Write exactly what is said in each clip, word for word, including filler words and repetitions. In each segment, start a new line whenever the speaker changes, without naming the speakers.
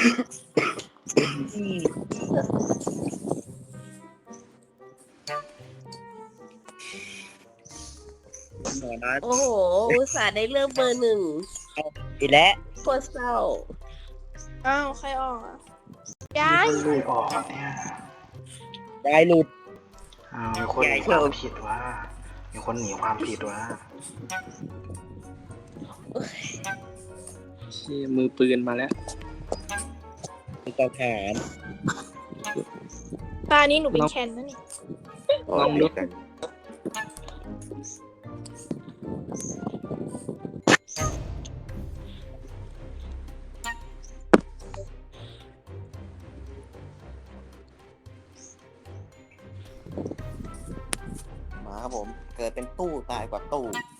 หมอนัท
โอ้โหอุตส่าห์ได้เลือกเบอร์หนึ่ง
อีกแล้ว
โคตรเศร้า
อ้าวใครออกอ่ะ
มี
ย้าย
คนหลุดออกเนี่ย
ยายหลุด
อ้าวมีคนหนีความผิดว่ามีคนหนีความผิดว่า
เชี่ยมือปืนมาแล้ว
เป็นเจ้าแขน
ตานี้หนูเป็นแคนนะนี่
ลองดู
มาครับผม เกิดเป็นตู้ตายกว่าตู้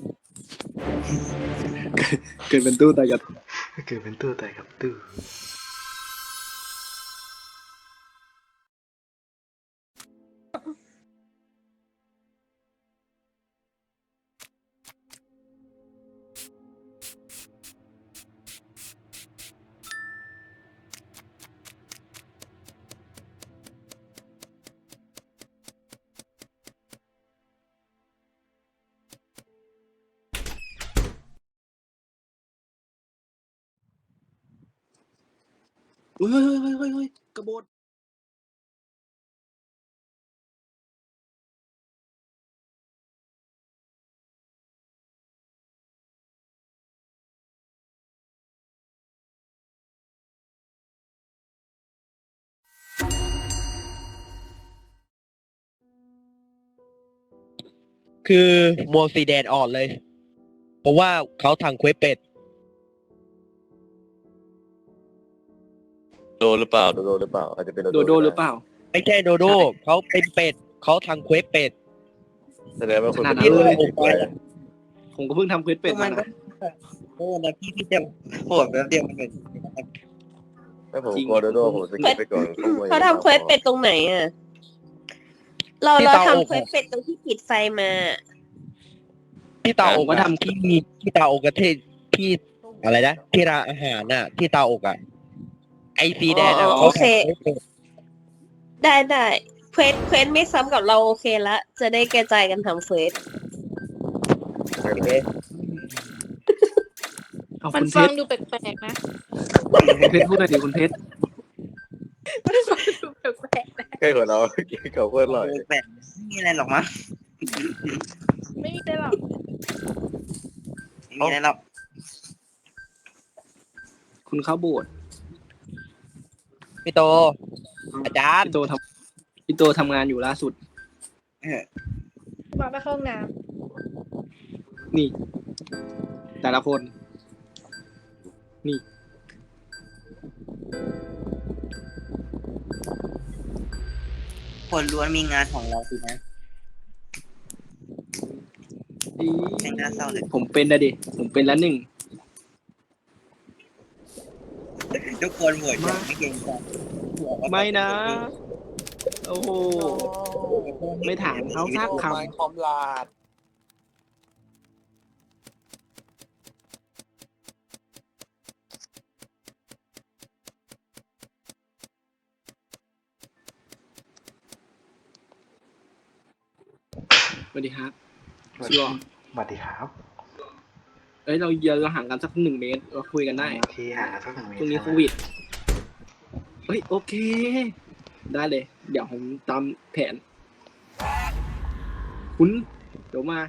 เกิดเป็นตู้ตายกับ
เกิดเป็นตู้แต่กับตู้
เฮ้ยเฮ้ยเฮ้ยเฮ้ยเฮ้ยกระโดด
คือโมวสีแดงอ่อนเลย เพราะว่าเขาทางเควสเป็ด
โดนหรือเปล่าโดนหรือเปล่าอาจจะเป็น
โดโดหรือเปล่า
ไม่ใช่โดโดเขาเป็นเป็ดเขาทางเควสเป็ด
แสดงว่าคน
ขนาดนั้น
ที่
เล
เรา
ย
ออกไปอะ
ผมก็เพิ่งทำเควสเป็ดมานะ
โอ้นะพี่พี่จะโหดแบบเดียวมันเป็น
ถ้าผมกลัวโดโดผมสกิปไปก่อน
เขาทำเควสเป็ดตรงไหนอ่ะ เราเราทำเควสเป็ดตรงที่ปิดไฟมา
ที่เตาอกอะที่มีที่เตาอกกระเทศที่อะไรนะที่ร้านอาหารน่ะ ที่เตาอกอ่ะไอซีแดงอะ
อ๋อ
เขา
โอเค
ทำเควสเป็ด
ได้ได้เควสเควสไม่ซ้ำกับเราโอเคละ จะได้กระจายกันทำเควส
เอา
มัน
คุณเพ
ฟัง
ชร
ดูแปลกๆนะ
คุณเพชรพูดหน่อยดิคุณเพชร
มันฟังดูแปลกๆนะ
ใกล้กว่าเราเขาเพื่อนอร่อย
แบบไม่มีอะไรหรอกมั้ง
ไม่มีได้หรอก
ไม่มีอะไรหรอก
คุณเข้าโบสถ์
พี่โต อาจารย์
พี่โตทำพี่โตทำงานอยู่ล่าสุด
มาไปเข้าห้องน้
นี่ แต่ละคน นี่
คนล้วนมีงานของเราสินะ
อี
ไม่น่าเศร้าเลย
ผมเป็นนะดิ ผมเป็นแล้วหนึ่ง
ทุกคนโหวตอย่างไม่เกรงใจ
ไม่นะ โอ้โห ไม่ถามเขาสักค
ไม้คอมลาด
ำสวัสดีครับ
สวัส
ชั
ดี
วร์
สวัสดีครับ
เอ้ยเราเยอะเราห่างกันสักหนึ่งเมตรเราคุยกันได้
ที่ห่างกันสักหนึ่งเมตร
ช่วงนี้
ใช่
โค
ไหม
วิด เฮ้ย โอเค ได้เลย เดี๋ยวผมตามแผน คุณเดี๋ยวมา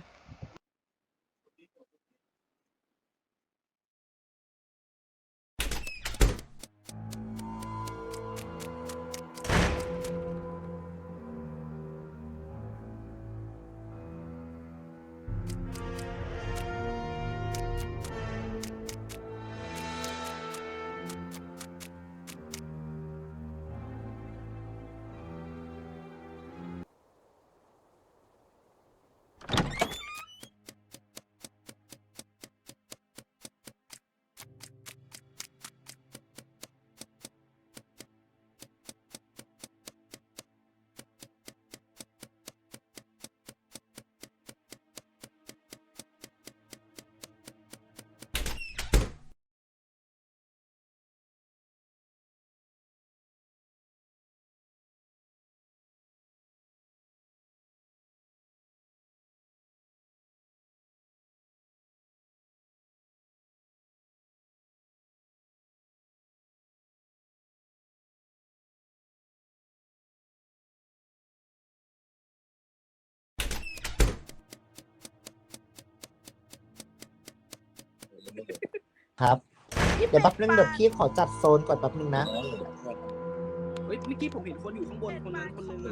ครับ เดี๋ยวแป๊บนึงเดี๋ยวพี่ขอจัดโซนก่อนแป๊บนึงนะ
เฮ้ยเมื่อกี้ผมเห็นคนอยู่ข้างบนคนนั้นคนนึงอะ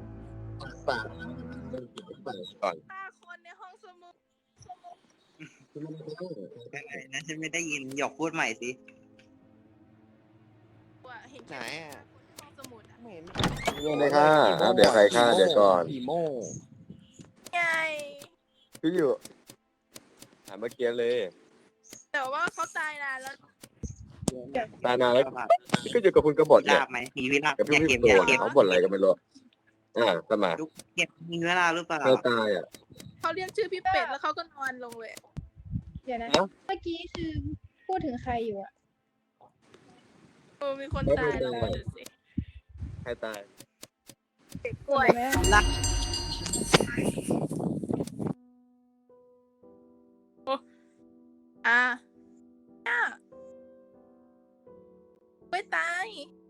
ก่อน
ห้าคนในห้องสมุด
นะฉันไม่ได้ยินหยกพูดใหม่สิ
ว่ะเห็น
ไหน
แค่
อ่ะ
ห้องสมุดอะ
ไม่เห็น
เรื่องเลยค่ะอ่ะเดี๋ยวใครฆ่าเดี๋ยวก่อน
ผีโม่
ไง
พี่อยู่ถามเมื่อกี้เลย
แต่ว่าเขาตายนานแล้ว
ตายนานแล้วพี่ก็อยู่กับคุณกบฏเนี่ย
ไหมมีวิลา
กับพี่พี่โดนเขาบ่นอะไรกันไม่รู้อ่าสมา
เก็บมีเวลาหรือเปล่า
ไม่ตายอ่ะ
เขาเรียกชื่อพี่เป็ดแล้วเขาก็นอนลงเลย
เดี๋ยวนะ
ฮะ
เมื่อกี้คือพูดถึงใครอยู่อะ
โอ้มีคนตายแล้วดูสิ
ใครตาย
กล้วย
ไหมอะ
อ่ะอ่ะไม่ตาย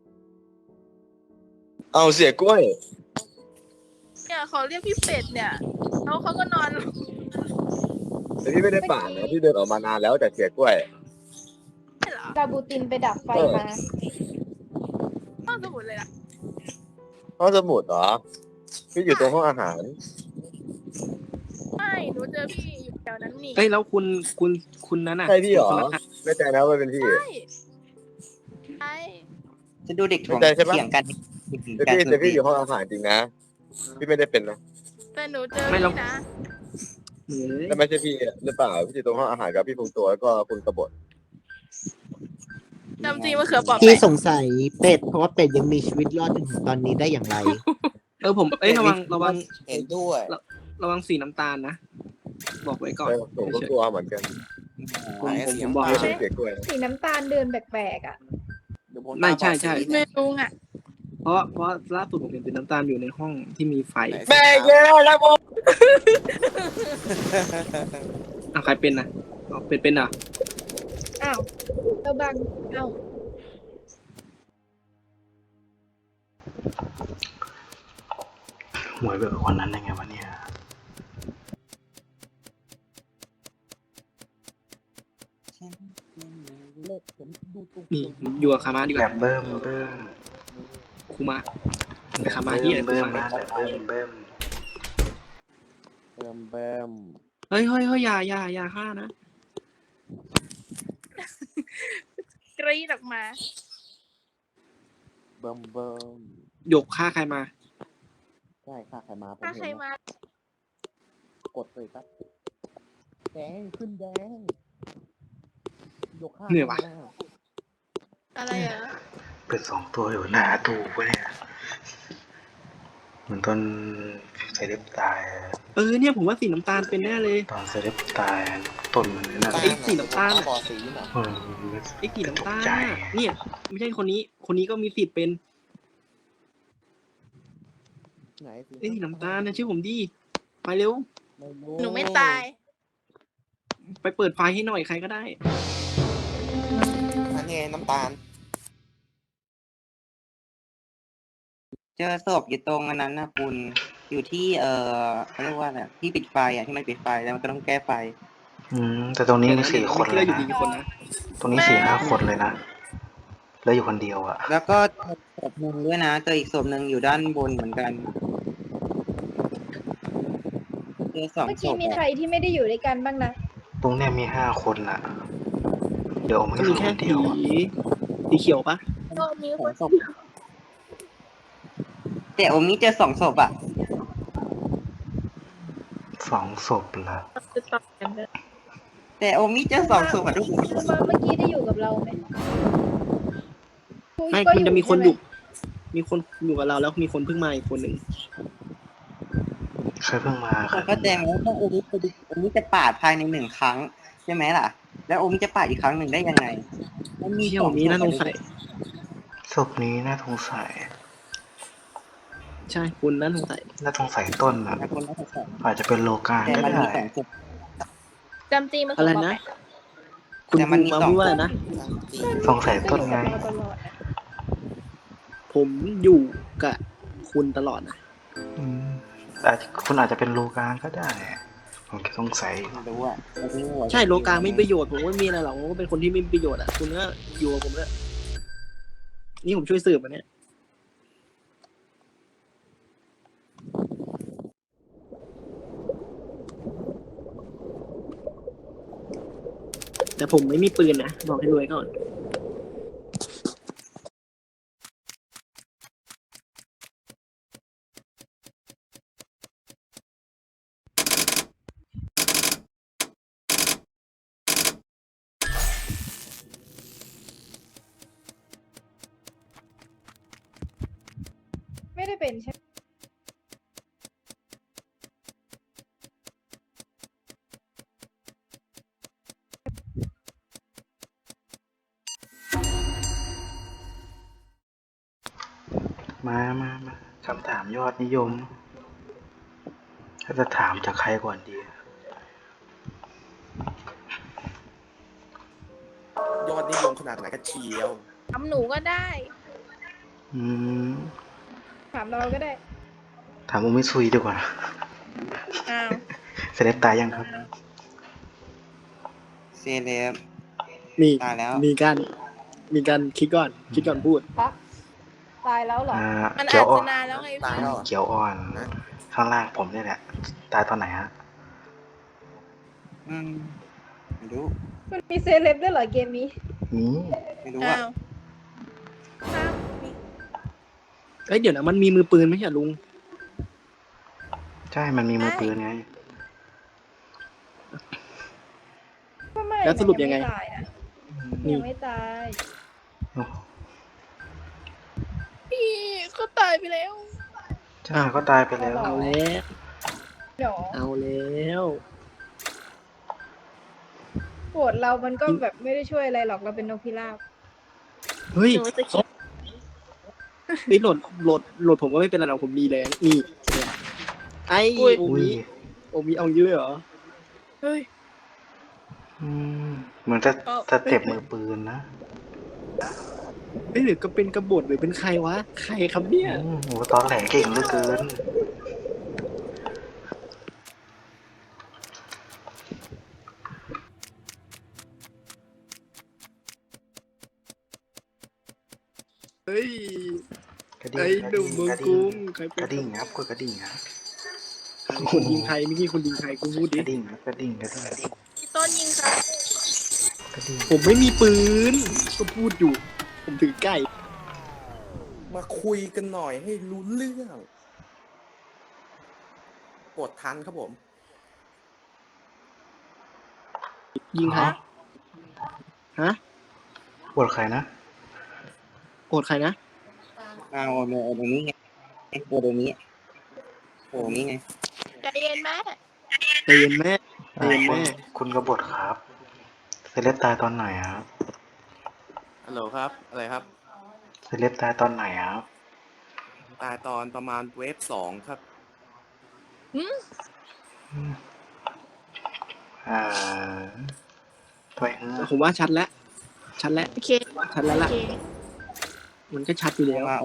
เอาเสียกล้วย
เนี่ยเขาเรียกพี่เป็ดเนี่ยแล้วเขาก็นอนลง
แต่พี่ไม่ได้ป่าดนะพี่เดินออกมานานแล้วแต่เสียกล้วย
ไม่เหรอ
ดาบูตินไปดับไฟมา
ห้องสมุดเลยล่ะ
ห้องสมุดเหรอพี่อยู่ตรงห้องอาหาร
ไม่หนูเจอพี่อยู่แถวนั้นนี่
เอ้ยแล้วคุณคุณคุณนั้นอ่ะ
ใช่พี่เหรอ
คนนั้นอะ
ไม่ใจนะว่าเป็นพี่
ใช่ใช่
จะดูเด็ก
ไม่ใจใช่ปะ
เถียงกัน
แต่พี่แต่พี่อยู่ห้องอาหารจริงนะพี่ไม่ได้เป็นนะ
แต่หนูเจอ
ไม่หรอก
พี่นะ
เฮ้ย
แต่ไม่ใช่พี่หรือเปล่าพี่อยู่ตรงห้องอาหารกับพี่พงตัวแล้วก็คุณกบฏ
จำจริงมะเขือเปอก
พี่
ไหม
สงสัยเป็ดเพราะว่าเป็ดยังมีชีวิตรอดจนถึงตอนนี้ได้อย่างไร
เออผมเอ้ยระวังระวัง
เห็นด้วย
ระวังสีน้ำตาลนะบอกไว้ก่อน
ใช่ผมก็กลัวเหมือนกัน
ผมผมผมบอก
ไม่
ไว้
ใช่เสียกล้วย
สีน้ำตาลเดินแปลกๆอะ
เดี๋ยวผม
ไม่ใช่ใช่
ไม่รู้อ่ะ
เพราะเพราะล่าสุดผมเห็นสีน้ำตาลอยู่ในห้องที่มีไฟ
แม่เยอะแล้วผม
อ่ะใครเป็นนะอ๋อเป็นเป็นอ่ะ
อ้าวเราบังอ้าว
หวยแบบคนนั้นได้ไงวะเนี่ย
นี่อยู่กับคามาดีก
แบ
ว่า
บเบิ้มเบิ้ม
คูมาไปคามาที่ไหนคู
เบิ้ม
มา
นะแบบเบิ้มเบิ้ม
เบิมเบม
เฮ้ยเฮ้ยเฮ้ยอย่าอย่าอย่าฆ่านะ
กรีดออกมา
เบิมเบิม
หยกฆ่าใครมา
ใช่ค่ะใครมาผม
ถ้าใคร
เห็น
มา
กดเลยครับแดงขึ้นแดงยกข้าง
เหนื่อยว่ะ
อะไรอ่ะ
เป็นสองตัวอยู่หน้าตู้ปะเนี่ยเหมือนตอนเซเลบตายอะ
เออเนี่ยผมว่าสีน้ำตาลเป็นแน่เลย
ตอนเซเลบตายต้นมันนั่น
ไอ้สีน้ำตาล
บอสีน่ะ
เออ
ไอ้สีน้ำตาล
ตกใจ
น่ะเนี่ยไม่ใช่คนนี้ คนนี้ก็มีสิทธิ์เป็น
ไหน
ไอ้สีน้ำตาลนะชื่อผมดีไปเร็ว
ไม่รู้
หนูไม่ตาย
ไปเปิดไฟให้หน่อยใครก็ได้
อันนี้ไงน้ำตาล
เจอศพอยู่ตรงอันนั้นนะคุณอยู่ที่เอ่อเขาเรียกว่าอะไรที่ปิดไฟอ่ะที่มันปิดไฟแล้วมันก็ต้องแก้ไฟ
อืมแต่ตรงนี้มีสี่คน
เมื่อกี้
เล
เรา
ย
อยู่
นะ
กี่คนนะ
ตรงนี้สี่ห้าคนเลยนะแล้วอยู่คนเดียวอ่ะ
แล้วก็ศพหนึ่งด้วยนะเจออีกศพหนึ่งอยู่ด้านบนเหมือนกันเจอสอง
เมื่อ
ศ
กี้
พ
มีใคร
อะ
ที่ไม่ได้อยู่ด้วยกันบ้างนะ
ตรงเนี้ยมีห้าคนน่ะ เดี๋ยวมัน
ก็
ก็
มี
คือ
แค่
คนเดี
สี
ยวอะ
สีเขียวปะ
ก็มี
ส
ค
อน งศพแต่โอมิเจอสองศพอ่ะ
สองศพละ
จะตอบกันเลย
แต่โอมิเจอสองศพอ่ะทุกคน
คือมาเมื่อกี้ได้อยู่กับเราไหม
ไม่
ก็
มันจะมีคน
ใช่
อ
ไห
ยู่ มีคนอยู่กับเราแล้วมีคนเพิ่งมาอีกคนหนึ่ง
ใครเพิ่งมาใคร
เข้าใจไหมว่าโอมิจะโอมิจะปาดภายในหนึ่งครั้งใช่ไหมล่ะ แล้วโอมิจะปาดอีกครั้งหนึ่งได้ยังไงมันมี
เที่ย
ส
ว
อง
นี้
ศพ
น่าสงสัย
ศพนี้น่าสงสัย
ใช่คุณน่าสงสัย
น่าสงสัยต้นอ่ะ
นะคนน่าสงสัย
อาจจะเป็นโลกา
แต่
ก็
มันมี
ได้
สองศพ
จำจริงมะ
อะ
เขื
ไร
อเปอก
นะ
ไหม
คุณ
แต่มันมี
มา
สอง
พูดว่าอะไรนะ
สงสัยต้นไง
ก็อยู่กับเราตลอดอะ
ผมอยู่กับคุณตลอดนะ
อืมอาจจะคุณอาจจะเป็นโลกาก็ได้ผมแค่สงสัย
ไม่รู้อ่ะไม่รู้อะ
ใช่โลกาไม่มีประโยชน์ผมว่าไม่มีอะไรหรอกผมก็เป็นคนที่ไม่มีประโยชน์อ่ะคุณก็อยู่กับผมแล้วนี่ผมช่วยสืบอันเนี้ยแต่ผมไม่มีปืนนะบอกให้รวยก่อน
ไม่ได้เป็นใช่ไหม
มามามาคำถามยอดนิยมถ้าจะถามจากใครก่อนดี
ยอดนิยมขนาดไหนกันเชียว
ทำหนูก็ได้
อืม
ถามเราก็ได้
ถามอุมิซุยดีกว่า
อ้าว
เซเลบตายยังครับ
เซเลบ
นี่
ตายแล้ว
มีการมีการคิดก่อนคิดก่อนพูด
พัก ตายแล้วเหรอ
อ่า
มัน
เขีย
อาว จ
อ่อ
จะ
น
นานแล้วไง
ตาย
พี่
แล้วเหรอ
เขียวอ่อน
ฮะ
ข้างล่างผมเนี่ยแหละ ตายตอนไหนฮะ
อืมไม่รู้
มันมีเซเลบด้วยเหรอเกมนี้
นี่
ไม่รู้
อ้า
อ่ะ
วอ้าวมี
เอ้ยเดี๋ยวนะมันมีมือปืนไหมใช่ลุง
ใช่มันมีมือปืนไง
ก็ไม่
แล้วสรุปยังไง
มันม่ตายนะ
นี่
ยังไม่ตาย
พี่ก็ตายไปแล้ว
ใช่ก็ตายไปแล้ว
เอาแล้ว
เดี๋ยว
เอาแล้ว
โหวตเรามันก็แบบไม่ได้ช่วยอะไรหรอกเราเป็นนกพิราบ
เฮ้ย
หนูจะคิด
นี่โหลดโหลดโหลดผมก็ไม่เป็นไรหรอกผมมีแรงนี่ไอ้โอ
อุ้
มิ
ย
โอมิเอาเยอะเหรอ
เฮ้ย
อืมเหมือนจะ
ก็
จะเจ็บมือปืนนะ
เฮ้ยหรือก็เป็นกบฏหรือเป็นใครวะใครครับเนี่ย
อืมโหตอนแหลเก่งเหลือเกิน
เฮ้ย
กระดิ่ง
ไอ้
กระ
หนุ่
ดิ่
ม
ง
เมือง
กระ
กรุ
ดิ่ง
งใคร
ก
เป็น
ระดิ่งครับกดกระดิ่งครับ
คนยิงใครไม่ใช่คนยิงใครกูพูด
ก
ดิ
ระดิ่งครับกระดิ่งกระดิ่ง
พี่ต้นยิงครับ
กระดิ่ง
ผมไม่มีปืนก็พูดอยู่ ผมถือไก่
มาคุยกันหน่อยให้รู้เรื่องกดทันครับผม
ยิงใครฮะ
ปวดใครนะ
โกรธใครนะ
เอาโอโอตรงนี้ไงโอตรงนี้โอตรงนี้ไง
ใจเย็นแม่
ใจเย็นแม่ใจ
อ่า
เย็น
คุณ
แม่
คุณกบฏครับ เซเลบตายตอนไหนครับ
ฮัลโหลครับ อะไรครับ
เซเลบตายตอนไหนครับ
ตายตอนประมาณเวฟสองครับ
อ่าไปฮะ
ผมว่าชัดแล้ว ชัดแล้ว
โอเค
ชัดแล้ว
โอ
ล่ะ
เค
มันก็ชัดอยู่แล้ว
ว่า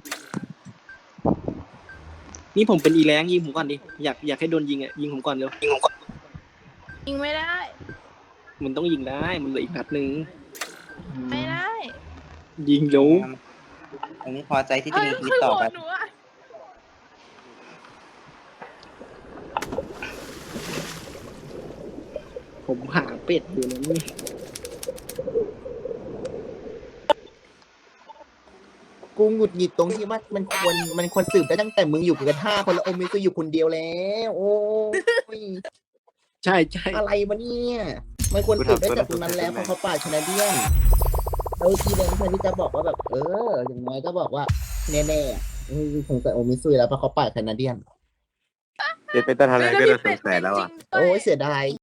นี่ผมเป็นอีแรงยิงผมก่อนดิ อยากอยากให้โดนยิงอ่ะยิงผมก่อนเร็ว
ยิงไม่ได้
มันต้องยิงได้ มันเหลืออีกนัดหนึ่ง
ไม่ได้
ยิงเร็ว
อันนี้พอใจที่จะ
เอ้ย
มีชีวิ
คื
ต
อ
ต่อ
โหว
ไป
ตหนูอะ
ผมหาเป็ดอยู่นะนี่
กูหงุดหงิดตรงที่ว่ามันควรมันควรสืบได้ตั้งแต่มึงอยู่กันห้าคนแล้วโอมิก็อยู่คนเดียวแล้ว โอ้ย
ใช่ใช่
อะไรวะเนี่ยมันควรสืบได้จากตรงนั้นแล้วเพราะเขาป่าดแคนาเดียนแล้วทีเดนเพื่อนที่จะบอกว่าแบบ เออ อย่างน้อยก็บอกว่า แน่ๆอ่ะอืมสงสัยโอมิซุยแล้วเพราะเขาป่าดแคนาเดียน
เป็นเป็นตาทะเลก็จะสงสัยแล้วอ่ะ
จริงๆด้วย
โอ้ยเสียดาย